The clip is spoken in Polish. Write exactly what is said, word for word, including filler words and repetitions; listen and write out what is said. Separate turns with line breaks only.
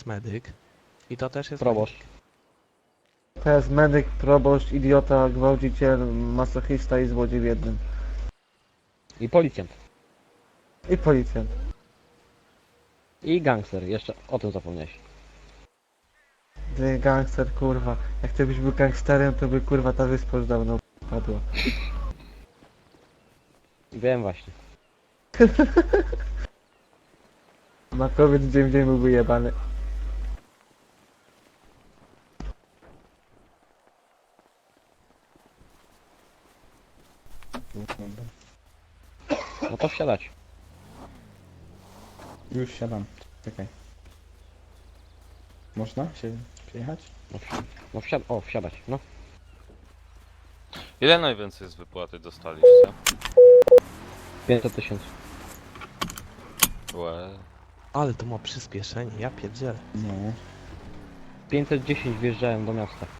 medyk. I to też jest
Proboszcz.
medyk.
To jest medyk, proboszcz, idiota, gwałciciel, masochista i złodziej w jednym.
I policjant.
I policjant.
I gangster. Jeszcze o tym zapomniałeś.
Ty gangster, kurwa. Jak ty byś był gangsterem, to by kurwa ta wyspa już dawno padła.
Wiem właśnie.
Makowiec dzień w dzień byłby jebany.
No to wsiadać.
Już siadam. Czekaj. Można się przejechać?
No, wsi no wsiad o, wsiadać. No.
Ile najwięcej z wypłaty dostaliście?
pięćset tysięcy.
Łe.
Ale to ma przyspieszenie, ja pierdzielę.
No.
pięćset dziesięć wjeżdżałem do miasta.